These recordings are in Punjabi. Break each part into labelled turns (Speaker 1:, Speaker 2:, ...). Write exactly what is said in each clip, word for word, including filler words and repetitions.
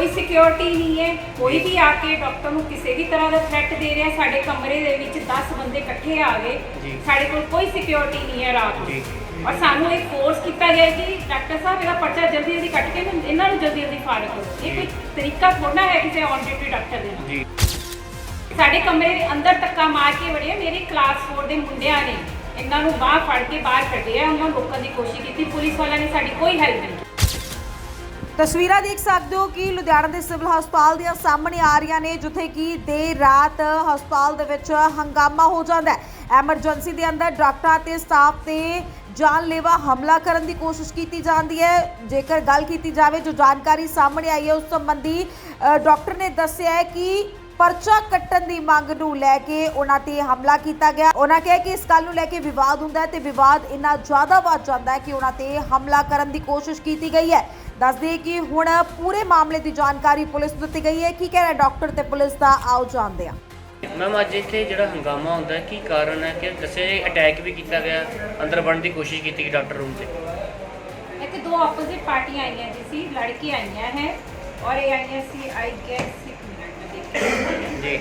Speaker 1: कोई सिक्योरिटी नहीं है, कोई भी आके डॉक्टर ਨੂੰ ਕਿਸੇ ਵੀ ਤਰ੍ਹਾਂ ਦਾ ਥ੍ਰੈਟ ਦੇ ਰਿਹਾ। ਸਾਡੇ ਕਮਰੇ ਦੇ ਵਿੱਚ दस ਬੰਦੇ ਇਕੱਠੇ ਆ ਗਏ, ਸਾਡੇ ਕੋਲ ਕੋਈ ਸਿਕਿਉਰਿਟੀ ਨਹੀਂ ਹੈ ਰਾਤ ਨੂੰ, ਔਰ ਸਾਨੂੰ ਇੱਕ ਫੋਰਸ ਕੀਤਾ ਗਿਆ ਕਿ ਡਾਕਟਰ ਸਾਹਿਬ ਇਹਦਾ ਪਰਚਾ ਜਲਦੀ ਜਲਦੀ ਕੱਟ ਕੇ ਇਹਨਾਂ ਨੂੰ ਜਲਦੀ ਜਲਦੀ ਫਾਰਗ ਕਰੋ। ਇਹ ਕੋਈ ਤਰੀਕਾ ਥੋੜਾ ਹੈ ਕਿਸੇ ਔਨ ਡਿਊਟੀ ਡਾਕਟਰ ਦੇ ਨਾਲ। ਸਾਡੇ ਕਮਰੇ ਦੇ ਅੰਦਰ ਧੱਕਾ ਮਾਰ ਕੇ ਵੜੇ ਮੇਰੇ ਕਲਾਸ ਚਾਰ ਦੇ ਮੁੰਡਿਆਂ ਨੇ ਇਹਨਾਂ ਨੂੰ ਬਾਹਰ ਫੜ ਕੇ ਬਾਹਰ ਕੱਢਿਆ, ਉਹਨਾਂ ਨੂੰ ਰੋਕਣ ਦੀ ਕੋਸ਼ਿਸ਼ ਕੀਤੀ, ਪੁਲਿਸ ਵਾਲਿਆਂ ਨੇ ਸਾਡੀ ਕੋਈ ਹੈਲਪ ਨਹੀਂ।
Speaker 2: ਤਸਵੀਰਾਂ ਦੇਖ ਸਕਦੇ ਹੋ ਕਿ ਲੁਧਿਆਣਾ ਦੇ ਸਿਵਲ ਹਸਪਤਾਲ ਦੀਆਂ ਸਾਹਮਣੇ ਆ ਰਹੀਆਂ ਨੇ, ਜਿੱਥੇ ਕਿ ਦੇਰ ਰਾਤ ਹਸਪਤਾਲ ਦੇ ਵਿੱਚ ਹੰਗਾਮਾ ਹੋ ਜਾਂਦਾ ਹੈ। ਐਮਰਜੈਂਸੀ ਦੇ ਅੰਦਰ ਡਾਕਟਰਾਂ ਤੇ ਸਟਾਫ ਤੇ ਜਾਨਲੇਵਾ ਹਮਲਾ ਕਰਨ ਦੀ ਕੋਸ਼ਿਸ਼ ਕੀਤੀ ਜਾਂਦੀ ਹੈ। ਜੇਕਰ ਗੱਲ ਕੀਤੀ ਜਾਵੇ, ਜੋ ਜਾਣਕਾਰੀ ਸਾਹਮਣੇ ਆਈ ਹੈ ਉਸ ਸੰਬੰਧੀ ਡਾਕਟਰ ਨੇ ਦੱਸਿਆ ਹੈ ਕਿ ਪਰਚਾ ਕੱਟਣ ਦੀ ਮੰਗ ਨੂੰ ਲੈ ਕੇ ਉਹਨਾਂ ਤੇ ਹਮਲਾ ਕੀਤਾ ਗਿਆ। ਉਹਨਾਂ ਕਿਹਾ ਕਿ ਇਸ ਗੱਲ ਨੂੰ ਲੈ ਕੇ ਵਿਵਾਦ ਹੁੰਦਾ ਹੈ ਤੇ ਵਿਵਾਦ ਇੰਨਾ ਜ਼ਿਆਦਾ ਵੱਧ ਜਾਂਦਾ ਹੈ ਕਿ ਉਹਨਾਂ ਤੇ ਹਮਲਾ ਕਰਨ ਦੀ ਕੋਸ਼ਿਸ਼ ਕੀਤੀ ਗਈ ਹੈ। ਦੱਸ ਦਈਏ ਕਿ ਹੁਣ ਪੂਰੇ ਮਾਮਲੇ ਦੀ ਜਾਣਕਾਰੀ ਪੁਲਿਸ ਨੂੰ ਦਿੱਤੀ ਗਈ ਹੈ। ਕੀ ਕਹਿ ਰਿਹਾ ਡਾਕਟਰ ਤੇ ਪੁਲਿਸ ਦਾ, ਆਓ ਜਾਣਦੇ ਹਾਂ।
Speaker 3: ਮੈਮ ਅੱਜ ਇੱਥੇ ਜਿਹੜਾ ਹੰਗਾਮਾ ਹੁੰਦਾ ਕੀ ਕਾਰਨ ਹੈ ਕਿ ਦੱਸਿਆ ਅਟੈਕ ਵੀ ਕੀਤਾ ਗਿਆ, ਅੰਦਰ ਵੜਨ ਦੀ ਕੋਸ਼ਿਸ਼ ਕੀਤੀ ਗਈ ਡਾਕਟਰ ਰੂਮ ਤੇ।
Speaker 1: ਇੱਥੇ ਦੋ ਆਪੋਜ਼ਿਟ ਪਾਰਟੀਆਂ ਆਈਆਂ ਜੀ ਸੀ, ਲੜਕੀ ਆਈਆਂ ਹੈ ਔਰ ਇਹ ਆਈਆਂ ਸੀ ਆਈ ਗੈਸ ਇੱਕ ਮਿੰਟ ਦੇਖੋ
Speaker 3: ਜੀ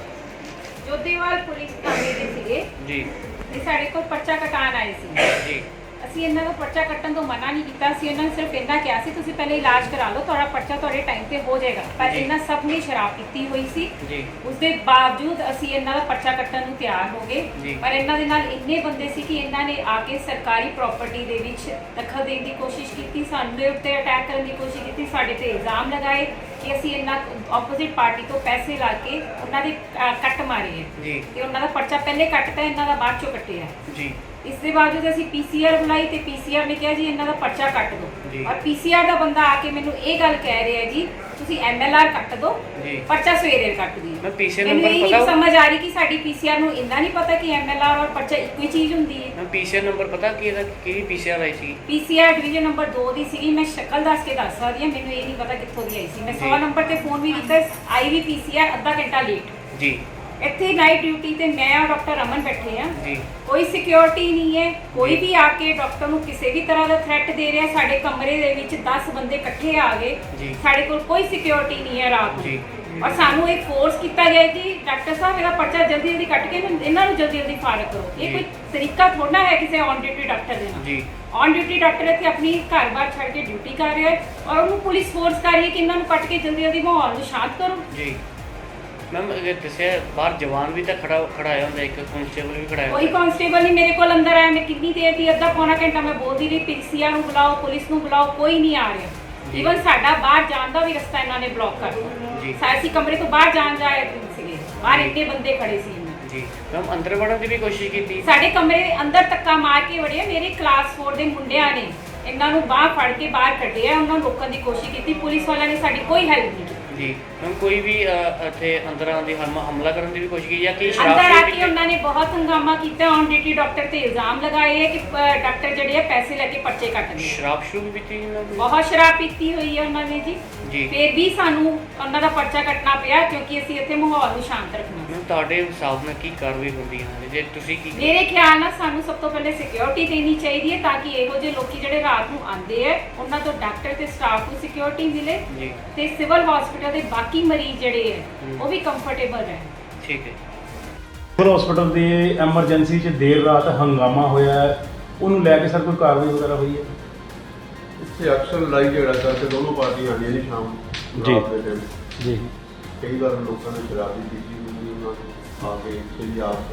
Speaker 1: ਜੋਧੇਵਾਲ ਪੁਲਿਸ ਥਾਣੇ ਦੇ ਸੀਗੇ
Speaker 3: ਜੀ।
Speaker 1: ਇਹ ਸਾਡੇ ਕੋਲ ਪਰਚਾ ਕਟਾਉਣ ਆਏ ਸੀ
Speaker 3: ਜੀ।
Speaker 1: ਅਸੀਂ ਇਹਨਾਂ ਨੂੰ ਪਰਚਾ ਕੱਟਣ ਤੋਂ ਮਨਾ ਨਹੀਂ ਕੀਤਾ ਸੀ, ਇਹਨਾਂ ਨੇ ਸਿਰਫ ਇੰਨਾ ਕਿਹਾ ਸੀ ਤੁਸੀਂ ਪਹਿਲੇ ਇਲਾਜ ਕਰਾ ਲਓ, ਤੁਹਾਡਾ ਪਰਚਾ ਤੁਹਾਡੇ ਟਾਈਮ ਤੇ ਹੋ ਜਾਏਗਾ। ਪਰ ਇਹਨਾਂ ਸਭ ਨੇ ਸ਼ਰਾਬ ਪੀਤੀ ਹੋਈ ਸੀ
Speaker 3: ਜੀ।
Speaker 1: ਉਸ ਦੇ ਬਾਵਜੂਦ ਅਸੀਂ ਇਹਨਾਂ ਦਾ ਪਰਚਾ ਕੱਟਣ ਨੂੰ ਤਿਆਰ ਹੋ ਗਏ, ਪਰ ਇਹਨਾਂ ਦੇ ਨਾਲ ਇੰਨੇ ਬੰਦੇ ਸੀ ਕਿ ਇਹਨਾਂ ਨੇ ਆ ਕੇ ਸਰਕਾਰੀ ਪ੍ਰਾਪਰਟੀ ਦੇ ਵਿੱਚ ਦਖਲ ਦੇਣ ਦੀ ਕੋਸ਼ਿਸ਼ ਕੀਤੀ, ਸਾਡੇ ਉੱਤੇ ਅਟੈਕ ਕਰਨ ਦੀ ਕੋਸ਼ਿਸ਼ ਕੀਤੀ, ਸਾਡੇ ਤੇ ਇਲਜ਼ਾਮ ਲਗਾਏ ਕਿ ਅਸੀਂ ਇਹਨਾਂ ਆਪੋਜ਼ਿਟ ਪਾਰਟੀ ਤੋਂ ਪੈਸੇ ਲਾ ਕੇ ਉਹਨਾਂ ਦੇ ਕੱਟ ਮਾਰੇ ਹੈ ਤੇ ਉਹਨਾਂ ਦਾ ਪਰਚਾ ਪਹਿਲੇ ਕੱਟਤਾ, ਇਹਨਾਂ ਦਾ ਬਾਅਦ ਚੋਂ ਕੱਟਿਆ ਜੀ। ਇਸ ਦੇ ਬਾਵਜੂਦ ਅਸੀਂ ਪੀਸੀਆਰ ਬੁਲਾਈ ਤੇ ਪੀਸੀਆਰ ਨੇ ਕਿਹਾ ਜੀ ਇਹਨਾਂ ਦਾ ਪਰਚਾ ਕੱਟ ਦਿਓ, ਔਰ ਪੀਸੀਆਰ ਦਾ ਬੰਦਾ ਆ ਕੇ ਮੈਨੂੰ ਇਹ ਗੱਲ ਕਹਿ ਰਿਹਾ ਜੀ ਤੁਸੀਂ ਐਮਐਲਆਰ ਕੱਟ ਦਿਓ, ਪਰਚਾ ਸਵੇਰੇ ਕੱਟ ਦਿਓ।
Speaker 3: ਮੈਂ ਪੀਸੀਆਰ
Speaker 1: ਨੰਬਰ
Speaker 3: ਪਤਾ
Speaker 1: ਨਹੀਂ ਸਮਝ ਆ ਰਹੀ ਕਿ ਸਾਡੀ ਪੀਸੀਆਰ ਨੂੰ ਇੰਨਾ ਨਹੀਂ ਪਤਾ ਕਿ ਐਮਐਲਆਰ ਔਰ ਪਰਚਾ ਇੱਕੋ ਹੀ ਚੀਜ਼ ਹੁੰਦੀ ਹੈ।
Speaker 3: ਮੈਂ ਪੀਸੀਆਰ ਨੰਬਰ ਪਤਾ ਕੀ ਇਹਦਾ ਕਿਹੜੀ ਪੀਸੀਆਰ ਆਈ ਸੀ?
Speaker 1: ਪੀਸੀਆਰ ਡਿਵੀਜ਼ਨ ਨੰਬਰ ਦੋ ਦੀ ਸੀਗੀ, ਮੈਂ ਸ਼ਕਲ ਦੱਸ ਕੇ ਦੱਸ ਸਕਦੀ ਹਾਂ, ਮੈਨੂੰ ਇਹ ਨਹੀਂ ਪਤਾ ਕਿੱਥੋਂ ਦੀ ਆਈ ਸੀ। ਮੈਂ ਸੌ ਨੰਬਰ ਤੇ ਫੋਨ ਵੀ ਕੀਤਾ, ਆਈ ਵੀ ਪੀਸੀਆਰ ਅੱਧਾ ਘੰਟਾ ਲੇਟ ਜੀ। ਇੱਥੇ ਨਾਈਟ ਡਿਊਟੀ ਤੇ ਮੈਂ ਔਰ ਡਾਕਟਰ ਰਮਨ ਬੈਠੇ ਆ ਜੀ, ਕੋਈ ਸਿਕਿਉਰਿਟੀ ਨਹੀਂ ਹੈ, ਕੋਈ ਵੀ ਆ ਕੇ ਡਾਕਟਰ ਨੂੰ ਕਿਸੇ ਵੀ ਤਰ੍ਹਾਂ ਦਾ ਥ੍ਰੈਟ ਦੇ ਰਿਹਾ। ਸਾਡੇ ਕਮਰੇ ਦੇ ਵਿੱਚ ਦਸ ਬੰਦੇ ਇਕੱਠੇ ਆ ਗਏ, ਸਾਡੇ ਕੋਲ ਕੋਈ ਸਿਕਿਉਰਿਟੀ ਨਹੀਂ ਹੈ ਰਾਤ ਨੂੰ, ਔਰ ਸਾਨੂੰ ਇੱਕ ਫੋਰਸ ਕੀਤਾ ਗਿਆ ਕਿ ਡਾਕਟਰ ਸਾਹਿਬ ਇਹਦਾ ਪਰਚਾ ਜਲਦੀ ਜਲਦੀ ਕੱਟ ਕੇ ਇਹਨਾਂ ਨੂੰ ਜਲਦੀ ਜਲਦੀ ਫਾਰਗ ਕਰੋ। ਇਹ ਕੋਈ ਤਰੀਕਾ ਥੋੜਾ ਹੈ ਕਿਸੇ ਔਨ ਡਿਊਟੀ ਡਾਕਟਰ ਦੇ ਨਾਲ। ਔਨ ਡਿਊਟੀ ਡਾਕਟਰ ਇੱਥੇ ਆਪਣੀ ਘਰ-ਬਾਰ ਛੱਡ ਕੇ ਡਿਊਟੀ ਕਰ ਰਿਹਾ ਹੈ ਔਰ ਉਹਨੂੰ ਪੁਲਿਸ ਫੋਰਸ ਕਰ ਰਹੀ ਹੈ ਕਿ ਇਹਨਾਂ ਨੂੰ ਕੱਟ ਕੇ ਜਲਦੀ ਜਲਦੀ ਮਾਹੌਲ ਨੂੰ ਸ਼ਾਂਤ ਕਰੋ ਜੀ।
Speaker 3: ਮੈਮ ਅਗਰ ਦੱਸਿਆ ਬਾਹਰ ਜਵਾਨ ਵੀ ਤਾਂ ਖੜਾ ਖੜਾਇਆ ਹੁੰਦਾ, ਇੱਕ ਕਾਂਸਟੇਬਲ ਵੀ ਖੜਾਇਆ।
Speaker 1: ਕੋਈ ਕਾਂਸਟੇਬਲ ਨਹੀਂ ਮੇਰੇ ਕੋਲ ਅੰਦਰ ਆਇਆ। ਮੈਂ ਕਿੰਨੀ ਦੇਰ ਦੀ ਅੱਧਾ ਪੌਣਾ ਘੰਟਾ ਮੈਂ ਬੋਲਦੀ ਰਹੀ, ਪੀਸੀਆਰ ਨੂੰ ਬੁਲਾਓ, ਪੁਲਿਸ ਨੂੰ ਬੁਲਾਓ, ਕੋਈ ਨਹੀਂ ਆ ਰਿਹਾ। ਈਵਨ ਸਾਡਾ ਬਾਹਰ ਜਾਣ ਦਾ ਵੀ ਰਸਤਾ ਇਹਨਾਂ ਨੇ ਬਲੌਕ ਕਰ ਦਿੱਤਾ। ਅਸੀਂ ਕਮਰੇ ਤੋਂ ਬਾਹਰ ਜਾਣ ਜਾਏ ਸੀਗੇ, ਬਾਹਰ ਇੰਨੇ ਬੰਦੇ ਖੜੇ ਸੀ
Speaker 3: ਜੀ। ਮੈਮ ਅੰਦਰ ਵੜਨ ਦੀ ਵੀ ਕੋਸ਼ਿਸ਼ ਕੀਤੀ, ਸਾਡੇ
Speaker 1: ਕਮਰੇ ਦੇ ਅੰਦਰ ਧੱਕਾ ਮਾਰ ਕੇ ਵੜੇ ਮੇਰੇ ਕਲਾਸ ਚਾਰ ਦੇ ਮੁੰਡਿਆਂ ਨੇ ਇਹਨਾਂ ਨੂੰ ਬਾਹਰ ਫੜ ਕੇ ਬਾਹਰ ਕੱਢਿਆ, ਉਹਨਾਂ ਨੂੰ ਰੋਕਣ ਦੀ ਕੋਸ਼ਿਸ਼ ਕੀਤੀ, ਪੁਲਿਸ ਵਾਲਿਆਂ ਨੇ ਸਾਡੀ ਕੋਈ ਹੈਲਪ ਨਹੀਂ ਕੀਤੀ ਜੀ।
Speaker 3: ਮੈਮ ਕੋਈ ਵੀ ਇੱਥੇ ਅੰਦਰ ਆਉਣ ਦੀ ਹਮਲਾ ਕਰਨ ਦੀ ਵੀ ਕੋਸ਼ਿਸ਼ ਕੀਤੀ ਜਾਂ ਕਿ
Speaker 1: ਅੰਦਰ ਆ ਕੇ ਉਹਨਾਂ ਨੇ ਬਹੁਤ ਹੰਗਾਮਾ ਕੀਤਾ, ਔਨ ਡਿਊਟੀ ਡਾਕਟਰ ਤੇ ਇਲਜ਼ਾਮ ਲਗਾਏ ਹੈ ਕਿ ਡਾਕਟਰ ਜਿਹੜੇ ਆ ਪੈਸੇ ਲੈ ਕੇ ਪਰਚੇ ਕੱਟਦੇ।
Speaker 3: ਸ਼ਰਾਬ ਸ਼ੁਰੂ ਵੀ ਪੀਤੀ ਇਹਨਾਂ ਨੇ, ਬਹੁਤ
Speaker 1: ਸ਼ਰਾਬ ਪੀਤੀ ਹੋਈ ਹੈ ਉਹਨਾਂ ਨੇ ਜੀ ਜੀ। ਫਿਰ ਵੀ ਸਾਨੂੰ ਉਹਨਾਂ ਦਾ ਪਰਚਾ ਕੱਟਣਾ ਪਿਆ ਕਿਉਂਕਿ ਅਸੀਂ ਇੱਥੇ ਮਾਹੌਲ ਨੂੰ ਸ਼ਾਂਤ ਰੱਖਣਾ।
Speaker 3: ਮੈਮ ਤੁਹਾਡੇ ਹਿਸਾਬ ਨਾਲ ਕੀ ਕਾਰਵਾਈ ਹੁੰਦੀ ਹੈ ਜੇ ਤੁਸੀਂ ਕੀ?
Speaker 1: ਮੇਰੇ ਖਿਆਲ ਨਾਲ ਸਾਨੂੰ ਸਭ ਤੋਂ ਪਹਿਲੇ ਸਿਕਿਉਰਿਟੀ ਦੇਣੀ ਚਾਹੀਦੀ ਹੈ ਤਾਂ ਕਿ ਇਹੋ ਜਿਹੇ ਲੋਕੀ ਜਿਹੜੇ ਰਾਤ ਨੂੰ ਆਉਂਦੇ ਆ ਉਹਨਾਂ ਤੋਂ ਡਾਕਟਰ ਤੇ ਸਟਾਫ ਨੂੰ ਸਿਕਿਉਰਿਟੀ ਮਿਲੇ ਤੇ ਸਿਵਲ ਹਸਪੀਟਲ ਦੇ ਬਾਕੀ ਮਰੀਜ਼ ਜਿਹੜੇ ਹੈ ਉਹ ਵੀ ਕੰਫਰਟੇਬਲ ਰਹਿਣ। ਠੀਕ ਹੈ।
Speaker 4: ਸਿਵਲ ਹਸਪੀਟਲ ਦੇ ਐਮਰਜੈਂਸੀ 'ਚ ਦੇਰ ਰਾਤ ਹੰਗਾਮਾ ਹੋਇਆ ਹੈ, ਉਹਨੂੰ ਲੈ ਕੇ ਸਰ ਕੋਈ ਕਾਰਵਾਈ ਵਗੈਰਾ ਹੋਈ ਹੈ?
Speaker 5: ਇੱਥੇ ਅਕਸਰ ਲੜਾਈ ਝਗੜਾ ਕਰਕੇ ਦੋਨੋਂ ਪਾਰਟੀਆਂ ਆਉਂਦੀਆਂ ਨੇ ਸ਼ਾਮ
Speaker 4: ਜੀ
Speaker 5: ਰਾਤ ਦੇ ਟਾਈਮ
Speaker 4: ਜੀ।
Speaker 5: ਕਈ ਵਾਰ ਲੋਕਾਂ ਨੇ ਸ਼ਰਾਬ ਵੀ ਪੀਤੀ ਹੁੰਦੀ, ਉਹਨਾਂ ਨੂੰ ਆ ਕੇ ਇੱਥੇ ਹੀ ਆਪ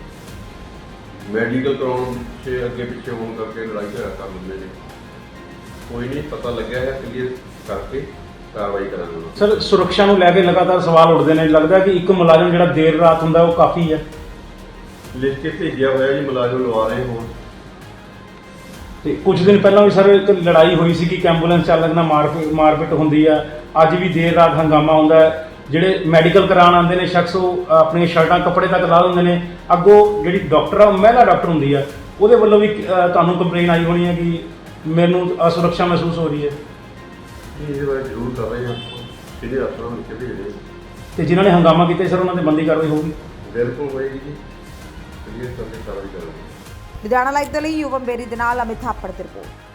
Speaker 5: ਮੈਡੀਕਲ ਕਰਾਉਣ 'ਚ ਅੱਗੇ ਪਿੱਛੇ ਹੋਣ ਕਰਕੇ ਲੜਾਈ ਝਗੜਾ ਕਰ ਲੈਂਦੇ ਨੇ। ਕੋਈ ਨਹੀਂ, ਪਤਾ ਲੱਗਿਆ ਹੈ, ਕਲੀਅਰ ਕਰਕੇ ਕਾਰਵਾਈ ਕਰਾਂਗੇ।
Speaker 4: ਸਰ ਸੁਰੱਖਿਆ ਨੂੰ ਲੈ ਕੇ ਲਗਾਤਾਰ ਸਵਾਲ ਉੱਠਦੇ ਨੇ, ਲੱਗਦਾ ਕਿ ਇੱਕ ਮੁਲਾਜ਼ਮ ਜਿਹੜਾ ਦੇਰ ਰਾਤ ਹੁੰਦਾ ਉਹ ਕਾਫੀ ਹੈ।
Speaker 5: ਲਿਖ ਕੇ ਭੇਜਿਆ ਹੋਇਆ ਜੀ, ਮੁਲਾਜ਼ਮ ਲਵਾ ਰਹੇ ਹੋਣ।
Speaker 4: ਤੇ ਕੁਝ ਦਿਨ ਪਹਿਲਾਂ ਵੀ ਸਰ ਇੱਕ ਲੜਾਈ ਹੋਈ ਸੀ ਕਿ ਐਂਬੂਲੈਂਸ ਚਾਲਕ ਨਾਲ ਮਾਰ ਮਾਰਪੀਟ ਹੁੰਦੀ ਆ, ਅੱਜ ਵੀ ਦੇਰ ਰਾਤ ਹੰਗਾਮਾ ਹੁੰਦਾ ਹੈ। ਜਿਹੜੇ ਮੈਡੀਕਲ ਕਰਾਉਣ ਆਉਂਦੇ ਨੇ ਸ਼ਖਸ ਉਹ ਆਪਣੀਆਂ ਸ਼ਰਟਾਂ ਕੱਪੜੇ ਤੱਕ ਲਾ ਦਿੰਦੇ ਨੇ, ਅੱਗੋਂ ਜਿਹੜੀ ਡਾਕਟਰ ਆ ਮਹਿਲਾ ਡਾਕਟਰ ਹੁੰਦੀ ਆ ਉਹਦੇ ਵੱਲੋਂ ਵੀ ਤੁਹਾਨੂੰ ਕੰਪਲੇਨ ਆਈ ਹੋਣੀ ਹੈ ਕਿ ਮੈਨੂੰ ਅਸੁਰੱਖਿਆ ਮਹਿਸੂਸ ਹੋ ਰਹੀ ਹੈ।
Speaker 5: ਇਹਦੇ ਬਾਰੇ ਜ਼ਰੂਰ ਕਰ ਰਹੇ ਹਾਂ, ਸਿੱਧੇ ਅਫਸਰਾਂ ਨੂੰ ਲਿਖ ਕੇ ਭੇਜਦੇ
Speaker 4: ਤੇ ਜਿਨ੍ਹਾਂ ਨੇ ਹੰਗਾਮਾ ਕੀਤਾ ਸਰ ਉਹਨਾਂ ਤੇ ਬੰਦੀ ਕਾਰਵਾਈ ਹੋਊਗੀ?
Speaker 5: ਬਿਲਕੁਲ ਹੋਏਗੀ ਜੀ, ਕਲੀਅਰ ਕਰਕੇ ਕਾਰਵਾਈ ਕਰਾਂਗੇ।
Speaker 2: ਲੁਧਿਆਣਾ ਲਾਈਵ ਦੇ ਲਈ ਯੁਵਮ ਬੇਰੀ ਦੇ ਨਾਲ ਅਮਿਤ ਥਾਪੜ ਦੀ ਰਿਪੋਰਟ।